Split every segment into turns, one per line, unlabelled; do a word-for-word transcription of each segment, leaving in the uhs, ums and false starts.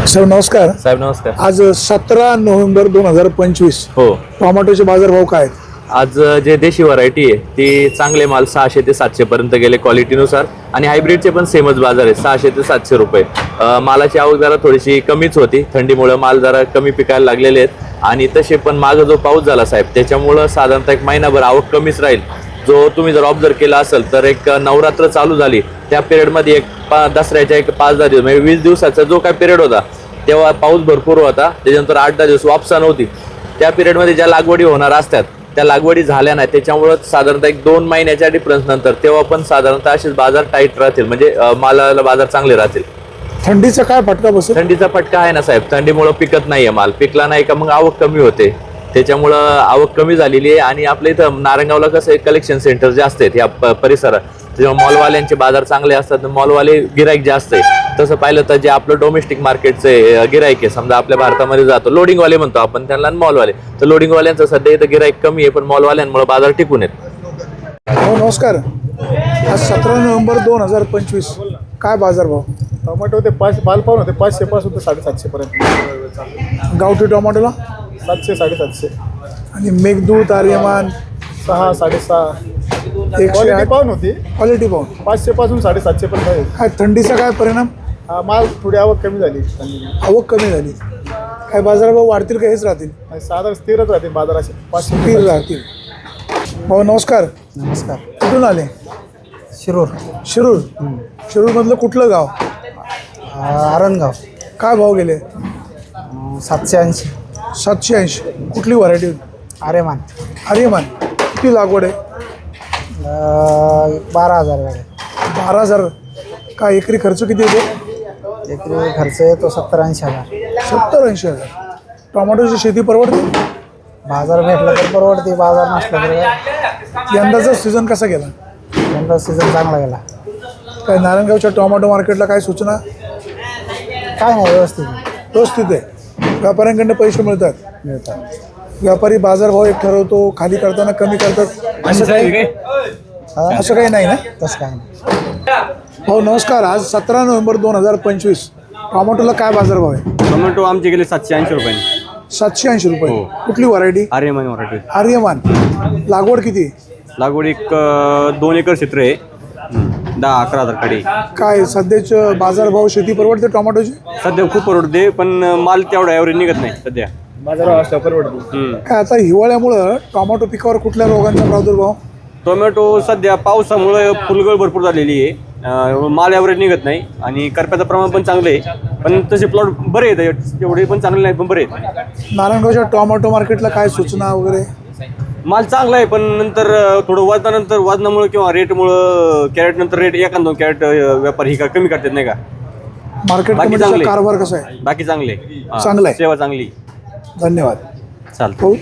Sir नमस्कार.
साहेब नमस्कार.
आज सतरा नोव्हेंबर दोन हजार पंचवीस.
हो.
टोमॅटोचे बाजारभाव काय आहेत?
आज जे देशी व्हरायटी आहे ती चांगले माल सहाशे ते सातशे पर्यंत गेले क्वालिटीनुसार आणि हायब्रिडचे पण सेमच बाजार आहे सहाशे ते सातशे रुपये. मालाची आवक जरा थोडीशी कमीच होती, थंडीमुळे माल जरा कमी पिकायला लागलेले आहेत आणि तसे पण मागं जो पाऊस झाला साहेब त्याच्यामुळं साधारणतः एक महिनाभर आवक कमीच राहील. जो तुम्ही जर ऑब्झर्व केला असेल तर एक नवरात्र चालू झाली त्या पिरियडमध्ये एक पा दसऱ्याच्या एक पाच दहा दिवस म्हणजे वीस दिवसाचा जो काय पिरियड होता तेव्हा पाऊस भरपूर होता. त्याच्यानंतर आठ दहा दिवस वापसा नव्हती. त्या पिरियडमध्ये ज्या लागवडी होणार असतात त्या लागवडी झाल्या नाही, त्याच्यामुळं साधारणतः एक दोन महिन्याच्या डिफरन्स नंतर तेव्हा पण साधारणतः असेच बाजार टाईट राहतील, म्हणजे मालाला बाजार चांगले राहतील.
थंडीचा काय फटका बसेल?
थंडीचा फटका आहे ना साहेब, थंडीमुळे पिकत नाहीये माल, पिकला नाही का मग आवक कमी होते, त्याच्यामुळं आवक कमी झालेली आहे. आणि आपल्या इथं नारायणगावला कसं आहे कलेक्शन सेंटर जास्त आहेत या परिसरात, त्याच्यामुळे मॉलवाल्यांचे बाजार चांगले असतात, मॉलवाले गिराईक जास्त आहे. तसं पाहिलं तर जे आपलं डोमेस्टिक मार्केटचे गिराईक आहे, समजा आपल्या भारतामध्ये जातो लोडिंगवाले म्हणतो आपण त्यांना मॉलवाले, तर लोडिंगवाल्यांचं सध्या इथं गिराईक कमी आहे पण मॉलवाल्यांमुळे बाजार टिकून आहेत.
हो नमस्कार. आज सतरा नोव्हेंबर दोन हजार पंचवीस काय बाजारभाव?
टोमॅटो होते पाचशे, माल पाहून होते पाचशे पासून ते साडेसातशे पर्यंत.
गावठी टोमॅटोला
सातशे साडेसातशे
आणि मेघदूत आर्यमान
सहा साडेसहा.
एकशे
क्वालिटी
आठ
पाहून होती
क्वालिटी पाहून.
पाचशे पासून साडेसातशे पर्यंत आहे.
काय थंडीचा काय परिणाम?
हा माल थोडी आवक कमी झाली
आवक कमी झाली. काय बाजारभाव वाढतील का हेच राहतील?
आणि साधारण स्थिरच राहते बाजाराचे पाचशे
स्थिर राहतील. भाऊ नमस्कार.
नमस्कार.
कुठून आले?
शिरूर.
शिरूर. शिरूरमधलं कुठलं गाव?
आरणगाव.
काय भाव गेले?
सातशे ऐंशी.
सातशे ऐंशी. कुठली व्हरायटी?
आर्यमान.
आर्यमान. किती लागवड आहे?
बारा हजार गाडी.
बारा हजार. काय एकरी खर्च किती येतो?
एकरी खर्च येतो सत्तर ऐंशी हजार.
सत्तर ऐंशी हजार. टोमॅटोची शेती परवडते?
बाजार भेटला तर परवडते, बाजार नसला तर.
यंदाचा सीझन कसा गेला?
यंदा सीझन चांगला गेला.
काय नारायणगावच्या टोमॅटो मार्केटला काय सूचना?
काय नाही, व्यवस्थित
व्यवस्थित आहे. व्यापाऱ्यांकडनं पैसे मिळतात.
मिळतात.
व्यापारी बाजारभाव एक ठरवतो, खाली करताना कमी करतात, असं काही असं काही नाही ना?
तसं काय नाही.
हो नमस्कार. आज सतरा नोव्हेंबर दोन हजार पंचवीस टोमॅटोला काय बाजारभाव आहे?
टोमॅटो आमचे गेले सातशे ऐंशी रुपये.
सातशे ऐंशी रुपये. कुठली व्हरायटी?
आर्यमान व्हरायटी.
आर्यमान. लागवड किती?
लागवड एक अं, दोन एकर क्षेत्र आहे. हं. दहा अकरा हजार कडे.
काय सध्याचे बाजारभाव शेती परवडते टोमॅटोची?
सध्या खूप परवडते पण माल तेवढा ॲव्हरेज निघत नाही सध्या.
बाजारावर असल्या परवडते.
हं.
काय आता हिवाळ्यामुळं टोमॅटो पिकावर कुठल्या रोगांचा प्रादुर्भाव?
टोमॅटो सध्या पावसामुळे फुलगळ भरपूर झालेली आहे. अं, माल ॲव्हरेज निघत नाही आणि करप्याचं प्रमाण पण चांगलं आहे, पण तसे प्लॉट बरे आहेत, एवढे पण चांगले नाहीत पण बरे आहेत.
नारायणगावच्या टोमॅटो मार्केटला काय सूचना वगैरे?
माल चांगला आहे पण नंतर अं, थोडं वजनानंतर वजनामुळे किंवा रेटमुळं कॅरेट नंतर रेट एखाद दोन कॅरेट व्यापारी ही का कमी करतात नाही का.
मार्केट
बाकी
कमिटीचा
चांगले.
कारभार कसा आहे?
बाकी चांगले. हां.
चांगलं आहे.
सेवा चांगली.
धन्यवाद.
चालतं.
हो.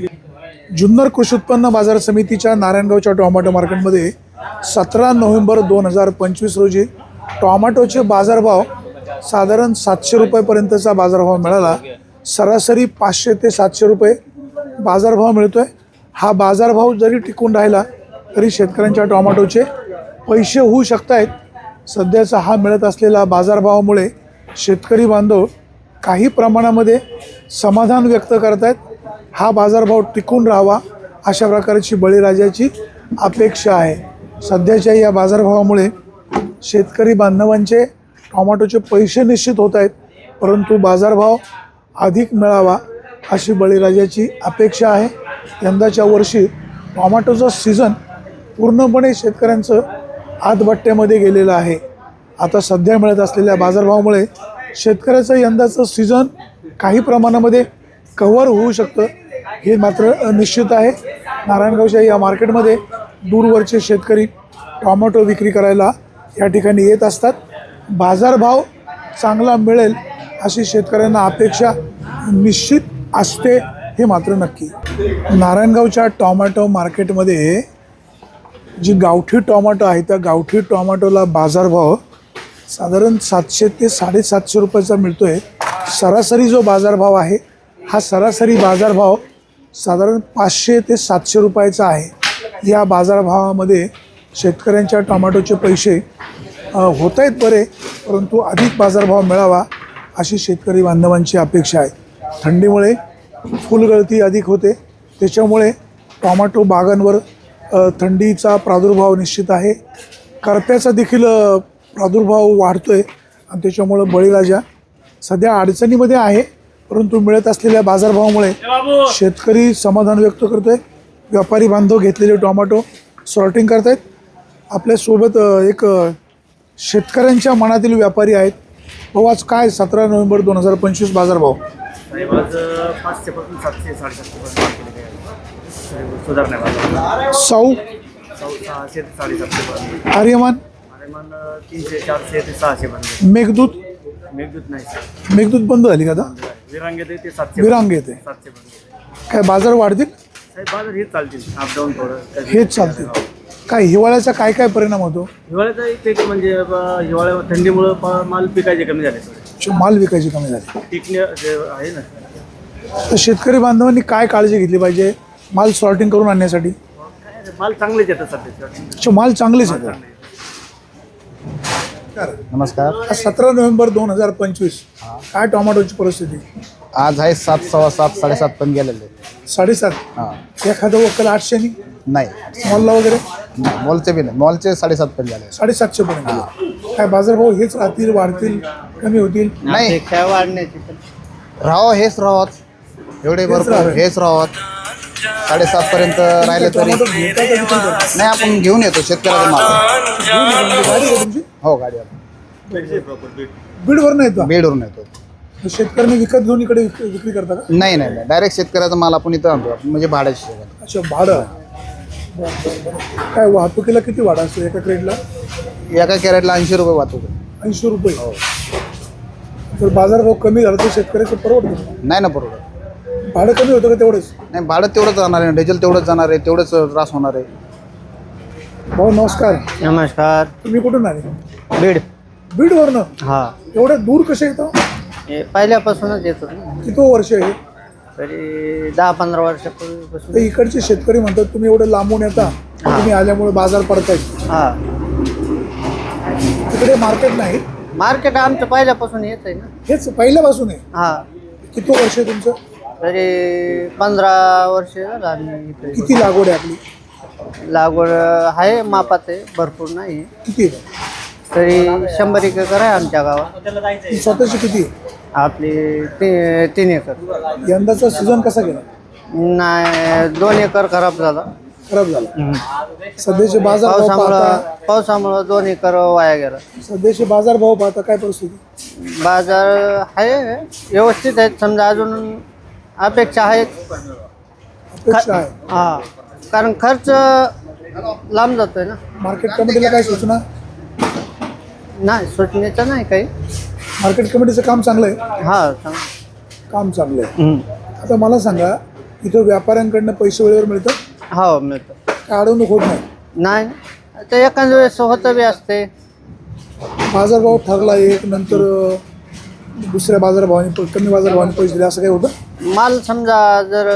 जुन्नर कृषी उत्पन्न बाजार समितीच्या नारायणगावच्या टोमॅटो मार्केटमध्ये सतरा नोव्हेंबर दोन हजार पंचवीस रोजी टोमॅटोचे बाजारभाव साधारण सातशे रुपयेपर्यंतचा बाजारभाव मिळाला. सरासरी पाचशे ते सातशे रुपये बाजारभाव मिळतो आहे. हा बाजारभाव जरी टिकून राहिला तरी शेतकऱ्यांच्या टोमॅटोचे पैसे होऊ शकत आहेत. सध्याचा हा मिळत असलेला बाजारभावामुळे शेतकरी बांधव काही प्रमाणामध्ये समाधान व्यक्त करत आहेत. हा बाजारभाव टिकून राहावा अशा प्रकारची बळीराजाची अपेक्षा आहे. सध्याच्या या बाजारभावामुळे शेतकरी बांधवांचे टोमॅटोचे पैसे निश्चित होत आहेत, परंतु बाजारभाव अधिक मिळावा अशी बळीराजाची अपेक्षा आहे. यंदाच्या वर्षी टोमॅटोचं सीझन पूर्णपणे शेतकऱ्यांचं आतबट्ट्यामध्ये गेलेलं आहे. आता सध्या मिळत असलेल्या बाजारभावामुळे शेतकऱ्याचं यंदाचं सीझन काही प्रमाणामध्ये कव्हर होऊ शकतं हे मात्र निश्चित आहे. नारायणगावच्या या मार्केटमध्ये दूरवरचे शेतकरी टोमॅटो विक्री करायला या ठिकाणी येत असतात. बाजारभाव चांगला मिळेल अशी शेतकऱ्यांना अपेक्षा निश्चित असते हे मात्र नक्की. नारायणगावच्या टोमॅटो मार्केटमध्ये जी गावठी टोमॅटो आहे त्या गावठी टोमॅटोला बाजारभाव साधारण सातशे ते साडेसातशे रुपयाचा मिळतो आहे. सरासरी जो बाजारभाव आहे हा सरासरी बाजारभाव साधारण पाचशे ते सातशे रुपयाचा आहे. या बाजारभावामध्ये शेतकऱ्यांच्या टोमॅटोचे पैसे होत आहेत बरे, परंतु अधिक बाजारभाव मिळावा अशी शेतकरी बांधवांची अपेक्षा आहे. थंडीमुळे फुलगळती अधिक होते, त्याच्यामुळे टोमॅटो बागांवर अ, थंडीचा प्रादुर्भाव निश्चित आहे. करप्याचा देखील अ, प्रादुर्भाव वाढतो आहे आणि त्याच्यामुळं बळीराजा सध्या अडचणीमध्ये आहे. परंतु मिळत असलेल्या बाजारभावामुळे शेतकरी समाधान व्यक्त करतो आहे. व्यापारी बांधव घेतलेले टोमॅटो सॉर्टिंग करत आहेत. आपल्यासोबत अ, एक अ, शेतकऱ्यांच्या मनातील व्यापारी आहेत. भाऊ, आज काय सतरा नोव्हेंबर दोन हजार पंचवीस बाजारभाव?
साहेब आज पाचशे पासून सातशे साडेसातशे पर्यंत सुधारणा बाजार
साऊ,
सहाशे ते साडेसातशे पर्यंत
आर्यमान,
आरेमान तीनशे चारशे ते सहाशे पर्यंत.
मेघदूत,
मेघदूत नाही सर,
मेघदूत बंद झाली का आता?
विरांग येते ते सातशे
विरांग येते.
सातशे पर्यंत.
काय बाजार वाढतील?
साहेब बाजार हेच चालतील, अपडाऊन थोडं कधी-
हेच चालतील. काय हिवाळ्याचा काय काय परिणाम होतो?
हिवाळ्याचा एक एक म्हणजे ब- हिवाळ्या थंडीमुळं प- माल पिकायचे कमी झाले थोडे.
जो माल विकायची कमी झाली.
टिकणे जे आहे ना,
तर शेतकरी बांधवांनी काय काळजी घेतली पाहिजे माल सॉर्टिंग करून आणण्यासाठी?
काय रे, माल चांगलेच येतात सध्या.
अच्छा, माल चांगलेच आहेत.
नमस्कार.
सतरा नोव्हेंबर दोन हजार पंचवीस काय टोमॅटोची परिस्थिती?
आज आहे सात सव्वा सात साडेसात पण गेलेले.
साडेसात.
हां
एखादं वक्कल आठशेनी,
नाही
मॉलला वगैरे
मॉलचे बी नाही, मॉलचे साडेसात पण गेले.
साडेसातशे पर्यंत गेले. काय बाजारभाव हेच राहतील, वाढतील, कमी होतील?
नाही
वाढण्याची
राहावं हेच राहत एवढे भरपूर
राहावे.
हेच राहत साडेसात पर्यंत राहिले तरी
टोमॅटो घेता का विकत घेता?
नाही, आपण घेऊन येतो शेतकऱ्याचा माल.
गाडी का तुमची?
हो गाडी आपण
बीडवरून येतो.
बीडवरून येतो.
शेतकऱ्यांनी विकत घेऊन इकडे विक- विक्री करता का?
नाही नाही नाही डायरेक्ट शेतकऱ्याचा माल आपण इथं आणतो, म्हणजे भाड्याची शेत.
अच्छा, भाडं. बरं, बरं, बरं. काय वाहतुकीला किती भाडं असतो एका क्रेटला?
एका कॅरेटला ऐंशी रुपये वाहतूक.
ऐंशी रुपये. जर बाजारभाव कमी झाला तर शेतकऱ्याचं परवडतं.
नाही ना बरोबर.
भाडं कमी होतं का तेवढंच?
नाही, भाडं तेवढंच जाणार आहे, डिझेल तेवढंच जाणार आहे, तेवढंच त्रास होणार आहे.
भाऊ नमस्कार.
नमस्कार.
तुम्ही कुठून आले?
बीड.
बीडवरनं?
हा,
एवढं दूर कसे येतं?
हे पहिल्यापासूनच येतो ना.
किती वर्ष आहे?
तरी दहा पंधरा वर्षापूर्वीपासून.
तर इकडचे शेतकरी म्हणतात तुम्ही एवढं लांबून येता, तुम्ही आल्यामुळे बाजार पडतायत.
हा,
तिकडे मार्केट नाही.
मार्केट आमचं पहिल्यापासून येत आहे ना.
हेच पहिल्यापासून आहे.
हा,
किती वर्ष आहे तुमचं?
तरी पंधरा वर्ष झालं आम्ही इथे.
किती लागवड आहे आपली?
लागवड आहे मापात आहे, भरपूर नाही.
किती आहे?
तरी शंभर एक एकर आहे आमच्या गावात.
ती स्वतःची किती आहे?
आपली ती तीन एकर.
यंदाचा सीझन कसा गेला?
नाही, दोन एकर खराब झाला.
खराब झाला. सध्याचे बाजार भाव
पावसामुळं
पाहता
पावसामुळं दोन एकर वाया गेला.
सध्याचे बाजार भाव पाहता काय परिस्थिती?
बाजार आहे व्यवस्थित आहेत, समजा अजून अपेक्षा आहेत.
अपेक्षा आहे.
हा, कारण खर्च लांब जातोय ना.
मार्केट कमिटीला काय सूचना?
नाही, सुटण्याचं नाही काही.
मार्केट कमिटीचं काम चांगलं आहे.
हा, चांगलं.
काम चांगलं आहे.
हम्म.
आता मला सांगा, इथं व्यापाऱ्यांकडनं पैसे वेळेवर मिळतात?
हो, मिळतं.
काय अडवणूक होत नाही?
नाही, ते एखाद्या वेळेस होतं बी असते.
बाजारभाव ठरला एक, नंतर अं, दुसऱ्या बाजारभावाने प- कमी बाजारभावाने पैसे दिले असं काही होतं?
माल समजा जर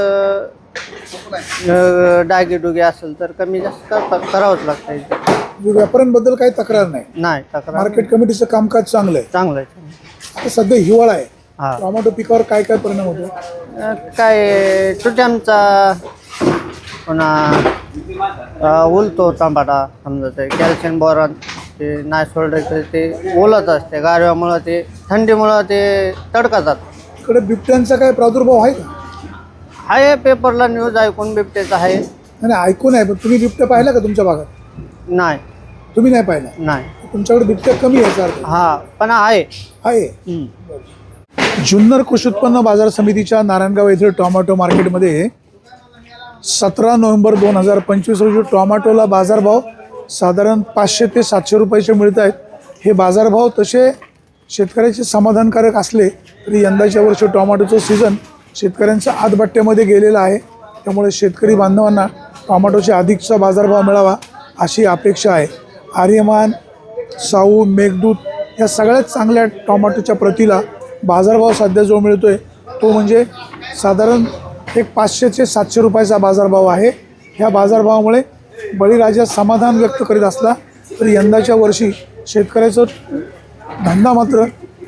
अ, डागेडुगे असेल तर कमी जास्त करता- करावंच लागतं इथे.
म्हणजे व्यापाऱ्यांबद्दल काही तक्रार नाही.
नाही, तक्रार
मार्केट कमिटीचं कामकाज चांगलं आहे.
चांगलं आहे.
आता सध्या हिवाळा आहे.
हा,
टोमॅटो पिकावर काय काय परिणाम होतो?
अ, काय तुट्यांचा पुन्हा अ, उलतो टमाटा, समजा ते कॅल्शियम बोरॉन ते नाही सोडलं तर ते ओलत असते. गारव्यामुळं ते थंडीमुळं ते तडकातात.
इकडे बिबट्यांचा काय प्रादुर्भाव आहे का?
आहे, पेपरला न्यूज ऐकून बिबट्याचं आहे.
नाही नाही, ऐकून आहे, पण तुम्ही बिबट्या पाहिला का तुमच्या भागात?
नाही,
तुम्ही नाही पाहिला.
नाही.
तुमच्याकडे बिबट्या कमी याचा अर्थ
हा, पण आहे.
आहे.
हम्म.
जुन्नर कृषी उत्पन्न बाजार समितीच्या नारायणगाव येथील टोमॅटो मार्केटमध्ये सतरा नोव्हेंबर दोन हजार पंचवीस रोजी टोमॅटोला बाजारभाव साधारण पाचशे ते सातशे रुपयाचे मिळत आहेत. हे बाजारभाव तसे शेतकऱ्याचे समाधानकारक असले तरी यंदाच्या वर्षी टोमॅटोचं सीझन शेतकऱ्यांचा आतबट्ट्यामध्ये गेलेला आहे. त्यामुळे शेतकरी बांधवांना टोमॅटोचे अधिकचा बाजारभाव मिळावा अशी अपेक्षा आहे. आर्यमान, साऊ, मेघदूत या सगळ्यात चांगल्या टोमॅटोच्या प्रतीला बाजारभाव सध्या जो मिळतो आहे तो म्हणजे साधारण एक पाचशे ते सातशे रुपयाचा बाजारभाव आहे. ह्या बाजारभावामुळे बळीराजा समाधान व्यक्त करीत असला तरी यंदाच्या वर्षी शेतकऱ्याचं धंदा मात्र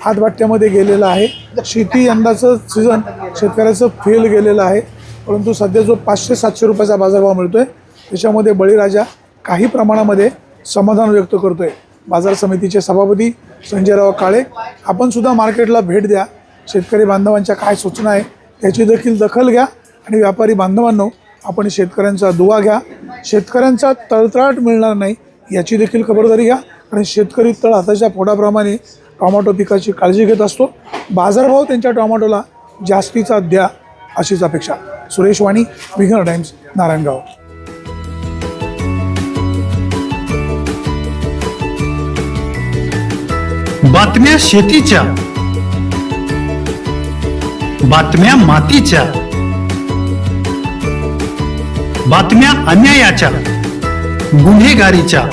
हातभाट्यामध्ये गेलेलं आहे. शेती यंदाचं सीझन शेतकऱ्याचं फेल गेलेलं आहे. परंतु सध्या जो पाचशे सातशे रुपयाचा बाजारभाव मिळतोय त्याच्यामध्ये बळीराजा काही प्रमाणामध्ये समाधान व्यक्त करतोय. बाजार समितीचे सभापती संजयराव काळे, आपण सुद्धा मार्केटला भेट द्या. शेतकरी बांधवांच्या काय सूचना आहे त्याची देखील दखल घ्या आणि व्यापारी बांधवांनो आपण शेतकऱ्यांचा दुवा घ्या. शेतकऱ्यांचा तळतळाट मिळणार नाही याची देखील खबरदारी घ्या. आणि शेतकरी तळ हाताच्या पोटाप्रमाणे टोमॅटो पिकाची काळजी घेत असतो. बाजारभाव त्यांच्या टोमॅटोला जास्तीचा द्या अशीच अपेक्षा. सुरेश वाणी, विघ्न टाइम्स, नारायणगाव.
बातम्या शेतीच्या, बातम्या मातीच्या, बातम्या अन्यायाच्या, गुन्हेगारीच्या,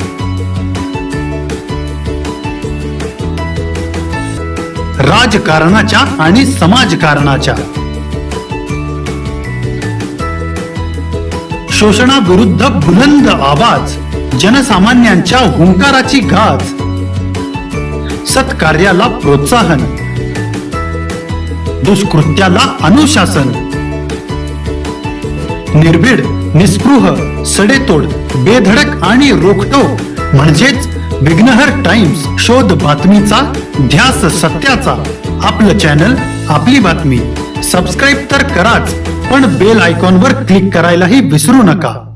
राजकारणाच्या आणि समाजकारणाच्या, शोषणाविरुद्ध बुलंद आवाज, जनसामान्यांच्या हुंकाराची गाज, सत्कार्याला प्रोत्साहन, दुष्कृत्याला अनुशासन, निर्भीड, निस्पृह, सडेतोड, बेधडक आणि रोखटोक म्हणजेच विघ्नहर टाइम्स. शोध बातमीचा, ध्यास सत्याचा. आपलं चॅनल, आपली बातमी. सबस्क्राईब तर कराच, पण बेल आयकॉनवर क्लिक करायलाही विसरू नका.